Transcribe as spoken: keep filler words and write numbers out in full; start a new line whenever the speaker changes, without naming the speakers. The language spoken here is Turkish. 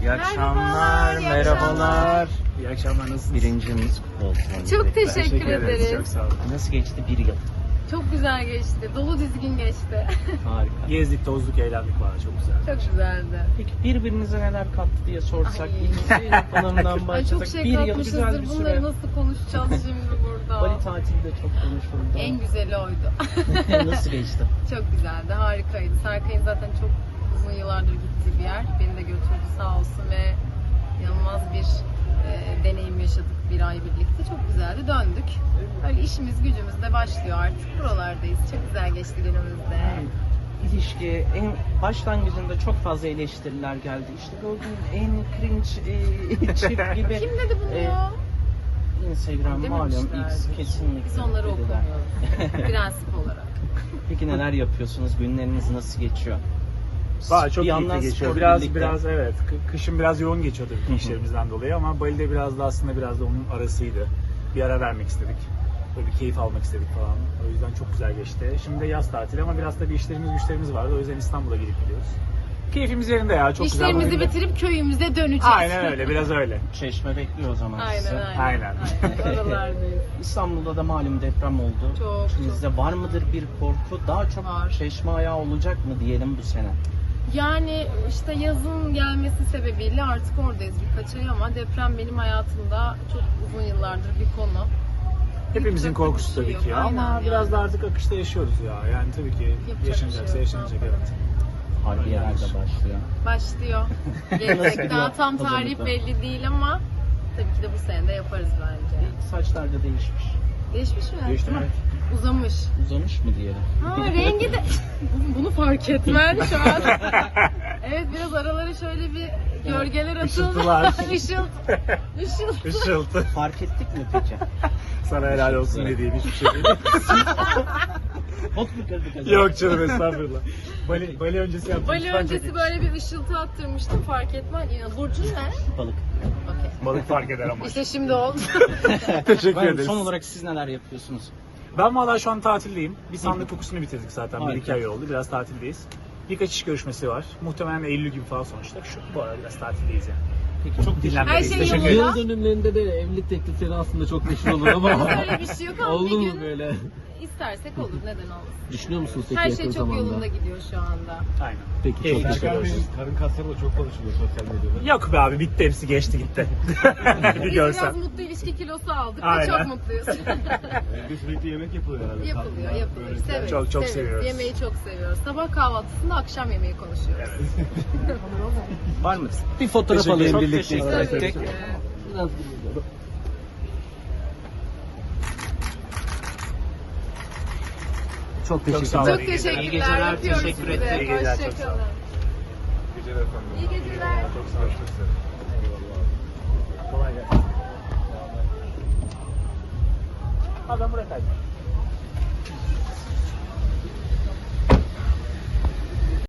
İyi akşamlar,
iyi
merhabalar.
İyi akşamlar, nasılsınız?
Birincimiz kutlu olsun.
Çok teşekkür
ederiz.
ederiz.
Çok sağ olun.
Nasıl geçti bir yıl?
Çok güzel geçti. Dolu dizgin geçti.
Harika.
Gezdik, tozduk, eğlendik var. Çok güzel.
Çok güzeldi.
Peki birbirinize neler kattı diye sorsak,
Ay.
ilişki yapılarından
Ay
başlasak.
çok şey
bir yıl güzel
katmışızdır.
bir
Bunları
süre.
nasıl konuşacağız şimdi burada?
Bali tatili de çok konuşuldu.
En güzeli oydu.
Nasıl geçti?
Çok güzeldi. Harikaydı. Serkay'ın zaten çok uzun yıllardır gittiği bir yer. Beni de götürdü sağ olsun ve inanılmaz bir e, deneyim yaşadık bir ay birlikte. Çok güzeldi. Döndük. Öyle işimiz gücümüz de başlıyor artık. Buralardayız. Çok güzel geçti günümüzde.
İlişki en başlangıcında çok fazla eleştiriler geldi. İşte gördüğün en cringe e, çift gibi.
Kim dedi bunu
e,
ya?
Instagram malum
Dememişlerdir.
X kesinlikle.
Biz onları
dediler.
okumuyoruz. Prensip olarak.
Peki neler yapıyorsunuz? Günleriniz nasıl geçiyor?
Vay, çok
Bir yandan
keyifli geçiyor.
spor
Biraz
birlikte.
biraz evet. Kı- Kışın biraz yoğun geçiyor tabii ki işlerimizden dolayı ama Bali'de biraz da aslında biraz da onun arasıydı. Bir ara vermek istedik. Böyle bir keyif almak istedik falan. O yüzden çok güzel geçti. Şimdi de yaz tatili ama biraz da bir işlerimiz güçlerimiz vardı. O yüzden İstanbul'a gidip gidiyoruz. Keyfimiz yerinde ya. Çok güzel.
İşlerimizi
Bali'de.
bitirip köyümüze döneceğiz.
Aynen öyle. Biraz öyle.
Çeşme bekliyor o zaman
Aynen
sizi.
aynen.
Aynen.
aynen. Oralardayız.
İstanbul'da da malum deprem oldu.
Çok,
İçinizde var mıdır bir korku? Daha çok
Var.
çeşme ayağı olacak mı diyelim bu sene?
Yani işte yazın gelmesi sebebiyle artık oradayız birkaç ay ama deprem benim hayatımda çok uzun yıllardır bir konu.
Hepimizin
Yapacak
korkusu
bir şey
tabii
yok.
ki ya. Ama
Aynen
biraz
yani.
da artık akışta yaşıyoruz ya. Yani tabii ki
Yapacak
yaşanacaksa
bir şey yok.
yaşanacak, evet.
Harbiyeler de başlıyor.
Başlıyor. Gelecek daha tam tarih
Hazırlıklar.
belli değil ama tabii ki de bu sene de yaparız bence.
Saçlar da değişmiş.
Değişmiş mi?
Değişti mi?
Uzamış.
Uzamış mı diyelim?
Ha rengi de... Bunu fark etmen şu an. Evet biraz aralara şöyle bir gölgeler atıldı.
Işıltılar.
Işıltı. Işıltı.
Işıltı.
Fark ettik mi peki?
Sana helal olsun ne diyeyim, hiçbir şey değil.
Pot mu kırdık acaba?
Yok canım, estağfurullah. Bali, Bali öncesi yaptım.
Bali öncesi böyle bir ışıltı attırmıştım fark etmen. Ya, Burcun ne?
Balık.
Okey.
Balık fark eder ama.
İşte şimdi oldu.
Teşekkür
Ben,
ederiz.
son olarak siz neler yapıyorsunuz?
Ben valla şu an tatildeyim. Bir sandık kokusunu bitirdik zaten. Bir
Harika.
iki ay oldu. Biraz tatildeyiz. Birkaç iş görüşmesi var. Muhtemelen Eylül gibi falan sonuçta. Şu bu arada biraz tatildeyiz yani.
Peki çok
Dinlenmedeyiz.
Her şey
Teşekkür
yolunda.
ederim.
Yıl dönümlerinde de evlilik teklifleri aslında çok meşhur olur ama
Öyle bir şey yok ama
oldu
bir
mu
gün
böyle?
istersek olur. Neden olmasın?
Düşünüyor musunuz peki
Her
yakın
şey çok
zamanda?
yolunda gidiyor şu anda.
Aynen.
Peki
Keyifli
çok teşekkür
çıkarıyoruz.
ederim.
Karın kasları da çok konuşuluyor sosyal medyada.
Yok be abi, bitti, hepsi geçti gitti. Bir
Biz
görsen.
biraz mutlu ilişki kilosu aldık ve
Aynen.
çok mutluyuz.
Evde sürekli yemek yapılıyor herhalde.
yapılıyor,
Tatlılar,
yapılıyor.
börekler.
Severiz,
Çok, çok
severiz.
seviyoruz.
Yemeği çok seviyoruz. Sabah kahvaltısında akşam yemeği konuşuyoruz.
Evet.
var mı?
Bir fotoğraf
Teşekkür-
alayım
çok
birlikte.
teşekkür
isterseniz.
ettik.
Biraz Çok
Çok sağ
teşekkürler.
olun.
Çok
İyi geceler.
teşekkürler.
İyi geceler,
Öpüyoruz
teşekkür
sizi.
ederim.
İyi geceler, çok sağ olun.
Hoşçakalın.
Geceler efendim.
İyi geceler.
Çok sağ olun.
Kolay gelsin. Abi ben buraya kaydım.